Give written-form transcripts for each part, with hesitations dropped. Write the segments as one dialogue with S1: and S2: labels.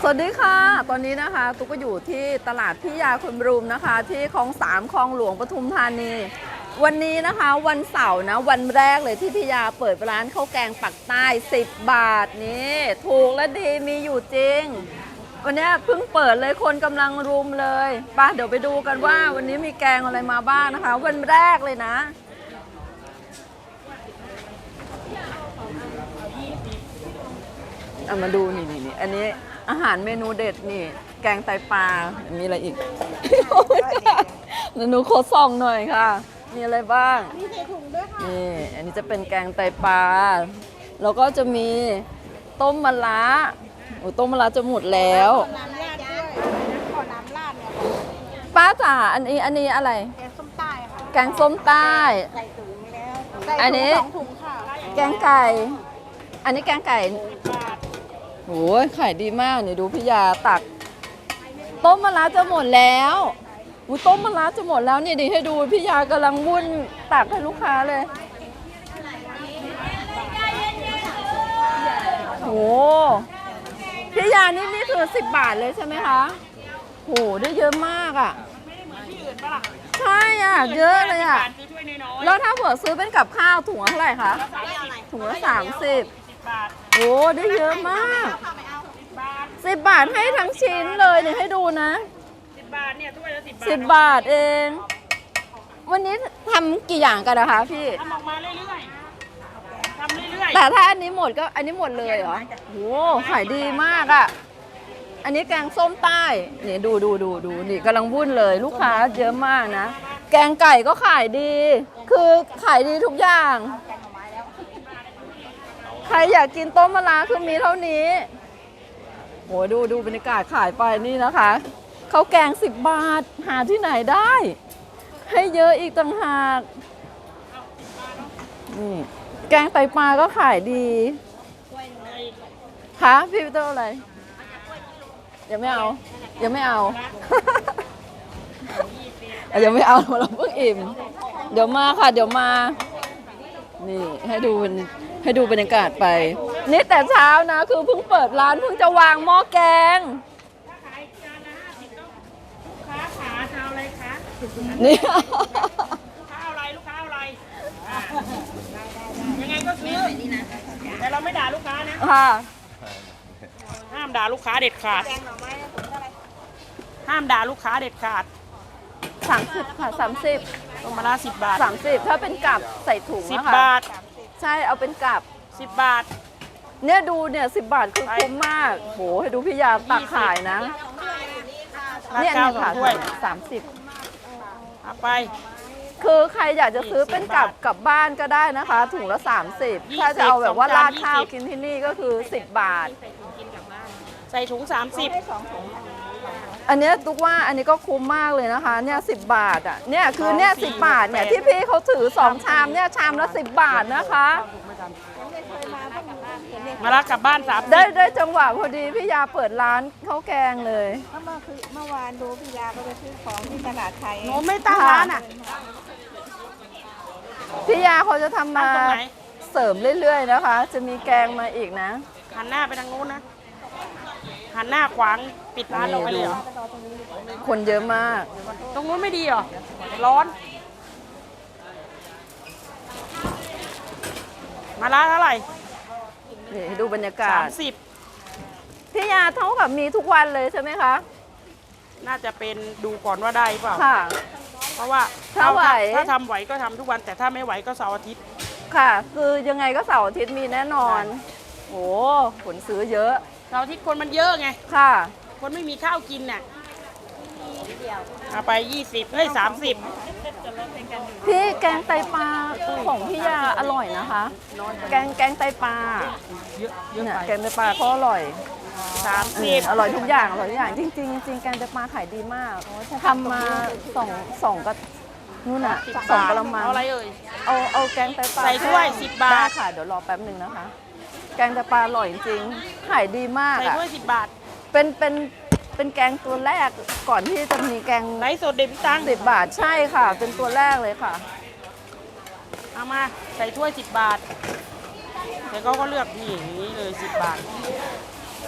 S1: วัสดีค่ะตอนนี้นะคะตุ๊กก็อยู่ที่ตลาดพิยาคนบรูมนะคะที่คลอง3คลองหลวงปทุมธานีวันนี้นะคะวันเสาร์นะวันแรกเลยที่พิยาเปิดร้านข้าวแกงปักใต้10 บาทนี่ถูกและดีมีอยู่จริงวันนี้เพิ่งเปิดเลยคนกำลังรุมเลยป่ะเดี๋ยวไปดูกันว่าวันนี้มีแกงอะไรมาบ้างนะคะวันแรกเลยนะเอามาดูนี่อันนี้อาหารเมนูเด็ดนี่แกงไตปลามีอะไรอีก หนูขอส่องหน่อยค่ะมีอะไรบ้างมีใส่ถุงด้วยค่ะนี่อันนี้จะเป็นแกงไตปลาแล้วก็จะมีต้มมะระโอ้ต้มมะระจะหมดแล้ว
S2: น้ำราดด้วยขอน้ำราดเนี่ย
S1: ป้าจ๋าอันนี้อะไร
S2: แกงส้มใต้ค่ะ
S1: แกงส้มใต้
S2: ใส่ถุงแล้ว
S1: อันนี้
S2: 2 ถุงค่ะ
S1: แกงไก่อันนี้แกงไก่โอ้ยขายดีมากนี่ดูพี่ยาตักต้มมะระจะหมดแล้วต้มมะระจะหมดแล้วนี่ดิให้ดูพี่ยากำลังวุ่นตักให้ลูกค้าเลยโอ้พี่ยานี่คือ10 บาทเลยใช่ไหมคะโหได้เยอะมากอ่ะใช่อ่ะเยอะเลยอ่ะแล้วถ้าเผื่อซื้อเป็นกับข้าวถุงละเท่าไหร่คะถุงละ30โอ้ได้เยอะมาก10 บาทให้ทั้งชิ้นเลยเนี่ยให้ดูนะ
S3: 10 บาทเนี่ยถ้วยละ
S1: 10 บาทเองวันนี้ทำกี่อย่างกันนะคะพี่
S3: ทำออกมาเรื่อยๆทำเรื่อยๆ
S1: แต่ถ้าอันนี้หมดก็อันนี้หมดเลยเหรอโอ้ขายดีมากอ่ะอันนี้แกงส้มใต้นี่ดูนี่กำลังวุ่นเลยลูกค้าเยอะมากนะแกงไก่ก็ขายดีคือขายดีทุกอย่างใครอยากกินต้มมะระคือมีเท่านี้โหดูบรรยากาศขายไปนี่นะคะข้าวแกง10 บาทหาที่ไหนได้ให้เยอะอีกต่างหากนี่แกงไตปลาก็ขายดีคะพี่วิเตอร์อะไรยังไม่เอายังไม่เอา เราเพิ่งอิ่มเดี๋ยวมาค่ะเดี๋ยวมานี่ให้ดูบรรยากาศไปนี่แต่เช้านะคือเพิ่งเปิดร้านเพิ่งจะวางหม้อแกง
S3: ลูกค้าขาจะเอาอะไรคะ
S1: นี่
S3: ลูกค้าเอาอะไรยังไงก็ซื้อแต่เราไม่ด่าลูกค้านะ
S1: ค่ะ
S3: ห้ามด่าลูกค้าเด็ดขาดห้ามด่าลูกค้าเด็ดขาด
S1: 30ค่ะ30
S3: ต้มมะระ10 บาท
S1: 30ถ้าเป็นกับใส่ถุงนะคะ
S3: 10 บาท
S1: ใช่เอาเป็นกับ
S3: 10 บาท
S1: เนี่ยดูเนี่ย10 บาทคือคุ้มมากโหให้ดูพี่ยาตักขายนะเนี่ยค่ะ30
S3: เอาไป
S1: คือใครอยากจะซื้อเป็นกลับบ้านก็ได้นะคะถุงละ30ถ้าจะเอาแบบว่าราดข้าวกินที่นี่ก็คือ10 บาท
S3: ใส่ถุง30
S1: อันนี้ตุ๊กว่าอันนี้ก็คุ้มมากเลยนะคะเนี่ย10 บาทอ่ะเนี่ยคือเนี่ย10 บาทเนี่ยที่พี่เขาถือ2 ชามเนี่ยชามละ10 บาทนะคะ
S3: มาละกลับบ้าน30
S1: ได้จังหวะพอดีพี่ยาเปิดร้านข้าวแกงเลย
S2: เมื่อวานดูพี่ยาก็ไปซื้อของที่ตลาดไทย
S3: หนูไม่ตั้งร้านอ่ะ
S1: พี่ยาเขาจะทำมาเสริมเรื่อยๆนะคะจะมีแกงมาอีกนะ
S3: หันหน้าไปทางนู้นนะหันหน้าขวางปิดร้านเราไปเลยเหรอ
S1: คนเยอะมาก
S3: ตรงนู้นไม่ดีเหรอร้อนมาละเท่าไหร่
S1: นี่ดูบรรยากาศ
S3: 30
S1: พี่ยาเท่ากับมีทุกวันเลยใช่ไหมคะ
S3: น่าจะเป็นดูก่อนว่าได้เปล่า
S1: ค่ะ
S3: เพราะว่า
S1: ถ้าไหว
S3: ถ้าทำไหวก็ทำทุกวันแต่ถ้าไม่ไหวก็เสาร์อาทิตย์
S1: ค่ะคือยังไงก็เสาร์อาทิตย์มีแน่นอนโอ้ผลซื้อเยอะ
S3: เสาร์อาทิตย์คนมันเยอะไง
S1: ค่ะ
S3: คนไม่มีข้าวกินน่ะเอาไป20เฮ้ย30
S1: พี่แกงไตปลาของพี่ยาอร่อยนะคะแกงไตปลา
S3: เยอะ
S1: เนี่ยแกงไตปลาก็อร่อย
S3: 30
S1: อร่อยทุกอย่างจริงแกงไตปลาขายดีมากทำมาสองก็นู่นน่ะ2 กะละมัง
S3: อะไรเอ่ย
S1: เอาแกงไตปลา
S3: ใส่ถ้วย10 บาท
S1: ได้ค่ะเดี๋ยวรอแป๊บนึงนะคะแกงไตปลาอร่อยจริงขายดีมาก
S3: ใส่ถ้วย10 บาท
S1: เป็นแกงตัวแรกก่อนที่จะมีแกง
S3: ไร้สดเด็ดพิตัง
S1: 10 บาทใช่ค่ะเป็นตัวแรกเลยค่ะ
S3: เอามาใส่ถ้วย10 บาทแต่เขาก็เลือกนี่อย่างนี้เลย10 บาท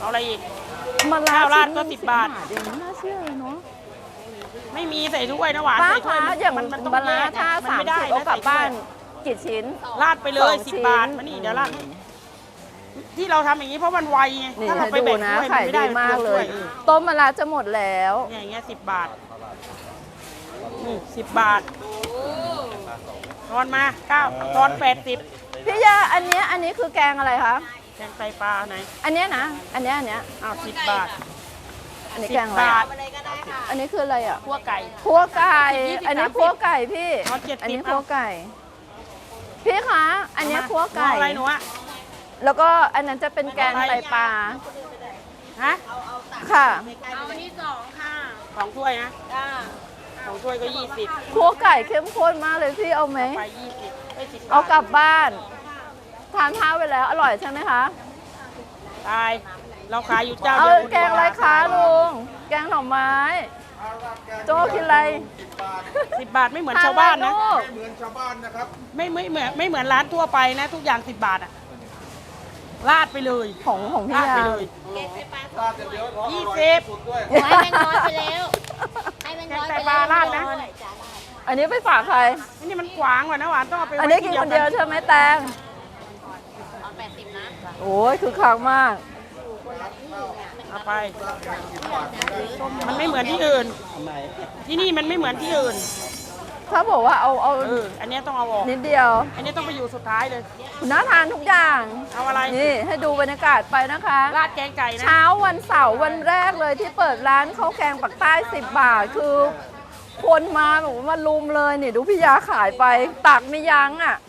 S3: เอาอะไรอีก
S1: มะระ
S3: ข้าวราด
S1: ชิ้น
S3: ก็10 บาท
S1: เดี๋ยวไม่น่าเชื่อเลยเนาะ
S3: ไม่มีใส่ถ้วยนะหวาน
S1: ป้า
S3: ใส่ถ้วย
S1: คะอย่าง
S3: มันต้อง
S1: มะระ
S3: แยก
S1: ถ้า
S3: มันไม่ได้
S1: 30เอา
S3: นะ
S1: กลับ
S3: ใส่ถ้วย
S1: บ้านกี่ชิ้น
S3: ราดไปเลย
S1: 2
S3: 10 บาท
S1: ชิ้น
S3: มานี่เดี๋ยวราดที่เราทำอย่างนี้เพราะมันไวไง
S1: นี่
S3: ถ้าเรา
S1: ให้
S3: ไป
S1: ดู
S3: แบ่ง
S1: นะ
S3: ถ้วยมั
S1: ขาน ย
S3: ไม่ได้
S1: ดีมากเลย
S3: ถ้ว
S1: ต้มมะระจะหมดแล้ว
S3: เนี่ยอย่างเงี้ย10 บาทนี่10 บาททอนมา9ทอน80
S1: พี่ยาอันนี้คือแกงอะไรคะ
S3: แกงไตปลาไหน
S1: อันเนี้ยนะ อันเนี้ย
S3: อ้าว10 บาท
S1: อันนี้
S3: 10
S1: แกงอะไร
S3: บา
S1: อะ
S3: ท
S1: อันนี้คืออะไรอ่ะ
S3: คั่วไก่
S1: คั่วไก่
S3: 20
S1: อันนี้
S3: 30
S1: คั่วไก่พี่
S3: เอา70
S1: อันนี้คั่วไก่ พี่คะ อันนี้คั่วไก่
S3: เอาอะไรหนูอะ
S1: แล้วก็อันนั้นจะเป็นแกงไตปลา
S3: ฮะ
S1: ค่ะ
S3: เอาอันนี้2ค่ะ2ถ้วยนะ2ถ้วยก็20
S1: คั่วไก่เข้มข้นมากเลยพี่เอาไหม
S3: ไป20ได้10 บาท
S1: เอากลับบ้าน ทานข้าวไปแล้วอร่อยใช่ไหมคะ
S3: ตายเราขายอยู่เจ้า
S1: เอา
S3: เดียว
S1: แกงอะไรคะลุง แกงหน่อไม้ โจ้กินอะไร
S3: 10 บาทไม่เหมือนชาวบ้านนะ
S1: ทออะไรลูก
S4: เหมือนชาวบ้านนะครับ
S3: ไม่เหมือนร้านทั่วไปนะ ทุกอย่าง10 บาทอะราดไปเลย
S1: ของพี่
S3: ราด
S1: ยา
S3: ไปเลย
S4: ราดเดียวร้อน
S3: 20
S4: สุดด้วย
S2: ให้แบงค์ร้อยไปแล้วให้แบงค์ร้อย
S3: แกงไต
S2: ไป
S3: ปลา
S2: แล้ว
S3: ราดนะ
S1: อันนี้ไปฝากใคร
S3: อันนี้มันขวางกว่านะหวานต้องเอาไป
S1: อัน
S3: ไว้
S1: นี้กิ
S3: ที่
S1: น
S3: เดีย
S1: คว นเดียวใช่ไหมแตง
S2: 80 นะ
S1: โอ้ยคือคักมาก
S3: เอาไป มันไม่เหมือนที่อื่น ที่นี่มันไม่เหมือนที่อื่น
S1: ถ้าบอกว่าเอา
S3: อันนี้ต้องเอาออก
S1: นิดเดียว
S3: อันนี้ต้องไปอยู่สุดท้ายเลย
S1: น่าทานทุกอย่าง
S3: เอาอะไร
S1: นี่ให้ดูบรรยากาศไปนะคะ
S3: ราดแกงไก่นะ
S1: เช้าวันเสาร์วันแรกเลยที่เปิดร้านข้าวแกงปักใต้10 บาท คือ คนมาแบบว่ามาลุมเลยนี่ดูพี่ยาขายไปตักไม่ยั้งอ่ะ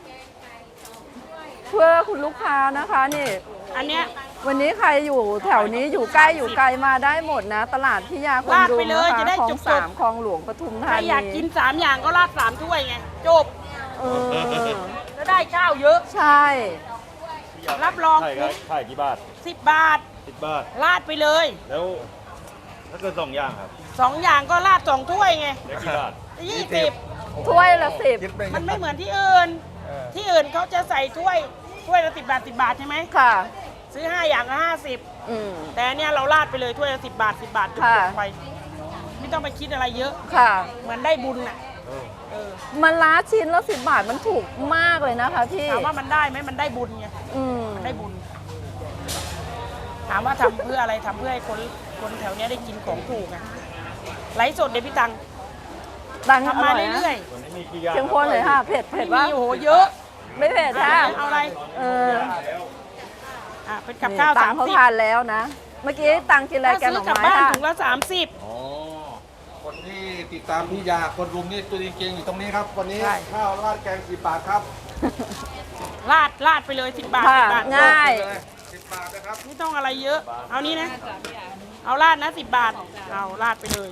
S1: เพื่อคุณลูกค้านะคะนี่
S3: อันเนี้ย
S1: วันนี้ใครอยู่แถวนี้อยู่ใกล้อยู่ไกลมาได้หมดนะ ตลาดพิยาคน
S3: ลาด
S1: รุ
S3: ไป
S1: ม
S3: เลย
S1: นะคะ
S3: จะได้
S1: คลอง
S3: จบๆ
S1: สามคลองหลวงปทุม
S3: ใค
S1: ธาร นี
S3: อยากกิน3 อย่างก็ราด3 ถ้วยไง จบ
S1: เออ
S3: แล้วได้ข้าวเยอะ
S1: ใช่
S3: รับรอง
S5: ไข่ครับไข่กี่บาท
S3: 10 บาท
S5: 10 บาท
S3: ราดไปเลย
S5: แล้วถ้าเกิด2 อย่างครับ
S3: 2 อย่างก็ราด2 ถ้วยไง
S5: ได้กี่บาท
S3: 20
S1: ถ้วยละ10
S4: คิดเป็น
S3: มันไม่เหมือนที่อื่น ที่อื่นเขาจะใส่ถ้วยละ10 บาท 10 บาทใช่ไหม
S1: ค่ะ
S3: ซื้อ 5 อย่างละ50
S1: อืม
S3: แต่อันเนี่ยเราราดไปเลยถ้วยละ10 บาท 10 บาทจ
S1: ค่ะ
S3: บไป ไม่ต้องไปคิดอะไรเยอะ
S1: ค่ะ
S3: เหมือนได้บุญน่ะเออ
S1: มันล้าชิ้นละ10 บาทมันถูกมากเลยนะคะพี่
S3: ถามว่ามันได้ไหมมันได้บุญไง
S1: อืม
S3: ได้บุญ ถามว่าทำเพื่ออะไรทำเพื่อให้คนแถวเนี้ยได้กินของถูกไงไลฟ์สดเดี๋ยวพี่ตัง
S1: ดังอ
S3: ทำมา
S1: ร่อยนะ
S3: เรื่อย
S5: วันนี้มีกี่อย่าง
S1: เข้มข้นเลยค่ะ เผ็ด
S3: ๆ
S1: เผ็ด
S3: มี
S1: ว่า
S3: โอ้โหเยอะ
S1: ไม่เผ็ดค่ะ
S3: เอาอะไร
S1: เออ
S3: เป็นกับข้าว
S1: ตังเขาทานแล้วนะ เมื่อกี้ตังกินอะไร
S3: ถ้า
S1: แกง
S3: ซื้
S1: ห
S3: อ
S1: น่อก
S3: ลับ
S1: ไม้
S3: บ้าน
S1: ค่ะ
S3: ถุงละ30
S4: อ๋อ คนที่ติดตามพี่ยาคนรุมนี่ตัวจริงๆอยู่ตรงนี้ครับ วันนี้
S3: ใช่
S4: ข้าวราดแกง10 บาทครับ
S3: ราดไปเลย10 บาท
S1: ค่ะ
S3: 10 บาท
S1: ง่าย
S4: 10 บาทนะครับ
S3: ไม่ต้องอะไรเยอะ เอานี้นะ เอาราดนะ10 บาท เอาราดไปเลย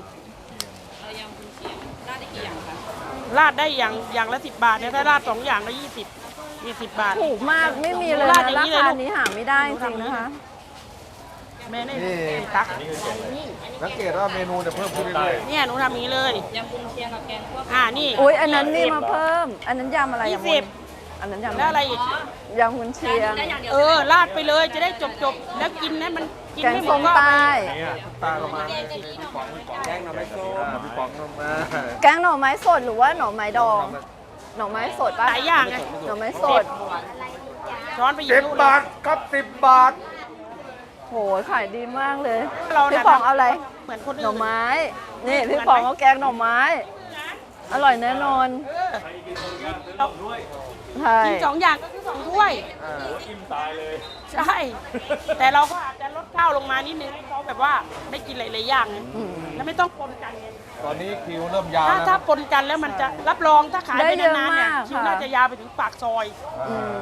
S3: ราดได้อย่างละ10 บาทเนี่ยถ้าราด2 อย่างละ20 20 บาท
S1: ถูกมากไม่มีเลย
S3: ราด
S1: นะ
S3: อย่า
S1: ราง
S3: นี้เลย
S1: คา
S3: ลูก
S1: นี้หาไม่ได้จริงๆนะคะ
S3: แม่นี่
S4: นี่
S3: ตัก
S4: สังเกตว่าเมนูจะเพิ่มขึ้นเรื่อย
S3: เนี่ยหนูทำอย่างนี้เลยยำกุนเชียงกับแกงคั่วนี่
S1: อุ้ยอันนั้นนี่มาเพิ่ม อันนั้นยำอะไร
S3: 20
S1: อะมุนอันนั้นยำ
S3: แล้วอะไรอีก
S1: ยำคุณเชียง
S3: ราดไปเลยจะได้จบแล้วกินนะมันกิน
S1: แกง
S3: ไม่หม
S1: ส้
S3: ด
S1: ม
S3: ก็
S1: ใต้
S4: ๆตาประมาณพี่ป๋องแกงหน่อไม้ส้มพี่ป๋องลงมา
S1: แกงหน่อไม้สดหรือว่าหน่อไม้ดอง หน่อไม้สดป่ะ
S3: หลายอย่างไง
S1: หน่อไม้สด
S3: ช้อนไปหยิบ
S4: 10 บาทครับ 10 บาท
S1: โหขายดีมากเลย
S3: เรา
S1: พี่
S3: น่ะ
S1: ปองเอาอะไร
S3: เหมือนคน
S1: หน่
S3: อื่
S1: อน ไม้ นี่พี่ปองเอาแกงหน่อไม้ อร่อยแน่นอน
S3: เรา
S1: ใช่
S3: กิน2 อย่างก็คือ2 ถ้วย
S5: อิ่มตายเลย
S3: ใช่ แต่เราก็อาจจะลดข้าวลงมานิดนึงให้เขาแบบว่าได้กินหลายๆอย่างไง
S1: อืม
S3: แล้วไม่ต้องปนกันไง
S4: ตอนนี้คิวเริ่มยาว
S3: ถ้า
S4: แล้ว
S3: ถ้าปนกันแล้วมันจะรับรองถ้าขายไป
S1: ได้เยอะ
S3: นานๆเนี่ย
S1: มาก
S3: คิว
S1: ค่ะ
S3: น่าจะยาวไปถึงปากซอย
S1: อืม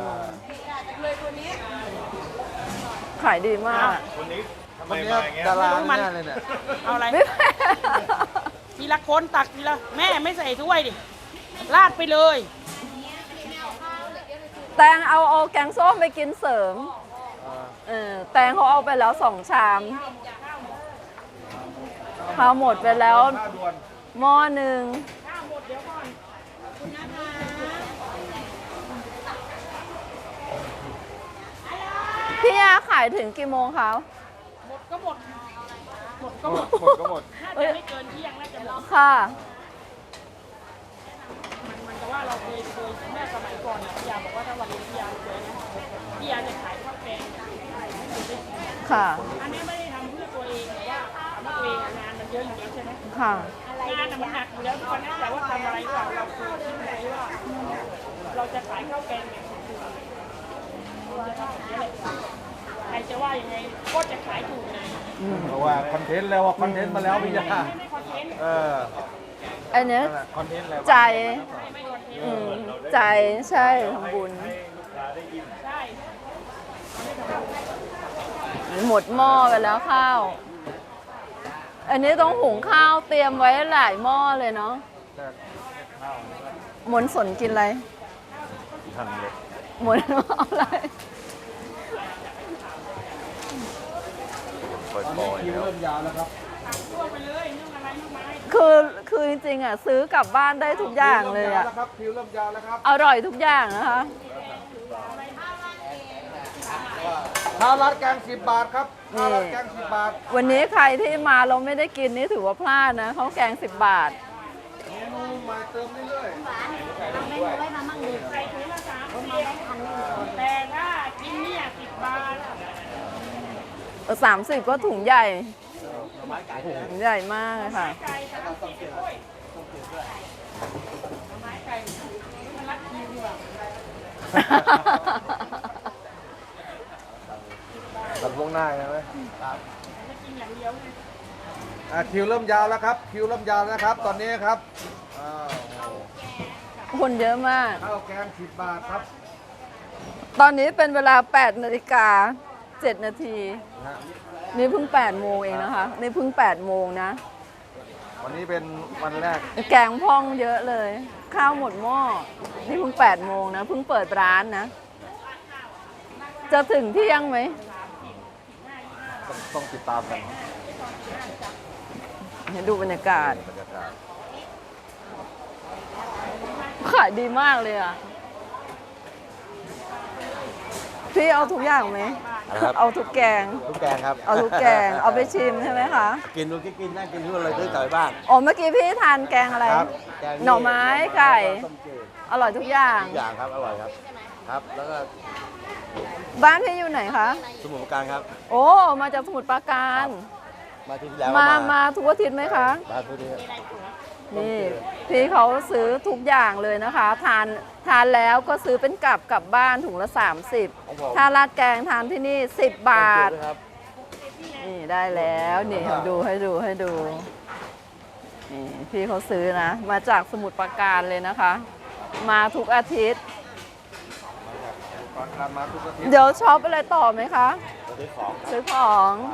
S1: ขายดีมาก
S5: วันนี้ทำไม
S4: วันนี้
S5: มาอย่างเงี้ย
S4: ดารา
S3: ไม่รู้มัน
S4: แน่เลยเนี่ย
S3: เอาอะไร
S1: ไม่
S3: ทีละคนตักทีละแม่ไม่ใส่ถ้วยดิราดไปเลย
S1: แตงเอาแกงส้มไปกินเสริม แตงเขาเอาไปแล้ว2 ชามข้าวหมดไปแล้ว
S4: ข้าวด่วน
S1: หม้อหนึ่งพี่ยาขายถึงกี่โมงคะ
S3: หมดก็หมดหมดก็หมด
S5: หมดก็หมด
S3: น่าจะไม่เกินเที่ยงน่าจะหมด
S1: ค่ะ
S3: มันจะว่าเราเคยแม่สมัยก่อนเนี่ยพี่ยาบอกว่าถ้าวันนี้พี่ยาเคยนะพี่ยาจะขายข้าวแกงเนี่ยให้คนได้กิน
S1: ค่ะ
S3: อันนี้ไม่ได้ทำเพื่อตัวเองแต่ว่าทำเพื่อตัวเองอะงานมันเยอะอยู่แล้วใช่ไหม
S1: ค่ะ
S3: งานน่ะมันหนักอยู่แล้วทุกวันนั้นแต่ว่าทำอะไรหรือเปล่าเราเคยคิดไหมว่าเราจะขายข้าวแกงแบบถูกๆเราจะทำแบบนี้แหละใครจะว่ายังไงก็จะขายถูกไง
S4: เพราะว่าคอนเทนต์แล้วว่าคอนเทนต์มาแล้วพี่ยา
S3: ไม่คอนเทนต์
S4: เออ
S1: อันเนี้ย
S4: นั่นแหละคอนเทนต์แล้ว
S1: ใจ
S3: ไม่คอนเทนต์
S1: อืมใจใช่ทำบุญ
S3: ใช่
S1: หมดหม้อไปแล้วข้าว อันนี้ต้องหุงข้าวเตรียมไว้หลายหม้อเลยเนาะหมนสนกินอะไร
S5: ทางเล็ก
S1: หมนเอาอะไร
S5: ปล่อย
S4: คิว
S5: ๆแล้ว
S4: เริ่มยาวแล้วครับ
S3: ทั่วไปเลยเรื่องอะไรเรื่องไม้
S1: คือจริงๆอ่ะซื้อกลับบ้านได้ทุกอย่างเลยอ่ะ
S4: คิวเริ่มยาวแล้วครับ
S1: อร่อยทุกอย่างนะคะ
S4: ข้าวราดแกง10 บาทครับข้าวราดแกง10 บาท
S1: วันนี้ใครที่มาเราไม่ได้กินนี่ถือว่าพลาดนะข้าวแกง10 บาท
S4: เมนูใหม่เติมเรื่อย
S3: ใส่ถุงละ30แต่ถ้ากินเนี่ย10 บาท
S1: 30 ก็ถุงใหญ่ถุงใหญ่มากเลยค่ะ
S3: ไก่30ด้วยไม้ไก่มันรัดคิวดีกว่า
S4: ตัดวงหน้าใช่ไหม
S3: ไม่กินอย่างเดียวไง
S4: คิวเริ่มยาวแล้วครับ คิวเริ่มยาวแล้วครับ ตอนนี้ครับอ้าว
S1: คนเยอะมาก
S4: ข้าวแกง10 บาทครับ
S1: ตอนนี้เป็นเวลา8 นาฬิกา 7 นาที
S4: นะฮะ
S1: นี่เพิ่ง8 โมงเองนะคะ นี่เพิ่ง8 โมงนะ
S4: วันนี้เป็นวันแรก
S1: แกงพ่องเยอะเลย ข้าวหมดหม้อ นี่เพิ่ง8 โมงนะ เพิ่งเปิดร้านนะ จะถึงเที่ยงไหม
S4: ต้องติดตามกัน
S1: ให้ดูบรรยากาศ
S4: บรรยากาศ
S1: ขายดีมากเลยอ่ะ พี่เอาทุกอย่างไหม
S6: ครับ
S1: เอาทุกแกง
S6: ทุกแกงครับ
S1: เอาทุกแกง เอาไปชิมใช่ไหมคะ
S6: กินดูกินนั่งกินทุกอะไรซื้อกลับไปบ้าน
S1: อ๋อ เมื่อกี้พี่ทานแกงอะไร
S6: ครับแกง
S1: หน่อไม้ไก่
S6: ต้มจืด
S1: อร่อยทุกอย่าง
S6: ทุกอย่างครับอร่อยครับ ครับ แล้วก็
S1: บ้านพี่อยู่ไหนคะ
S6: สมุนไพรครับ
S1: โอ้ มาจากสมุทรปราการ
S6: มาที่แล้ว
S1: มาทุกอาทิตย์ไหมคะ
S6: มาทุกที่
S1: นี่พี่เขาซื้อทุกอย่างเลยนะคะ ทานแล้วก็ซื้อเป็นกลับบ้านถุงละ 30 ถ้าราดแกงทานที่นี่ 10 บาท
S6: ครับ
S1: นี่ได้แล้วนี่ให้ดูนี่พี่เขาซื้อนะ มาจากสมุทรปราการเลยนะคะ มาทุกอาทิตย์
S4: ตอนการมาทุกอาทิตย์
S1: เดี๋ยวช็อปอะไรต่อไหมคะ
S6: ซื้อของ
S1: ซื้อของ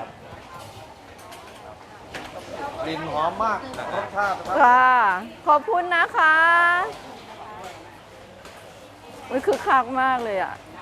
S4: กลิ่นหอมมากรสชาตินะครับ
S1: ค่ะ ขอบคุณนะคะอุ๊ยคือคักมากเลยอ่ะ
S4: ค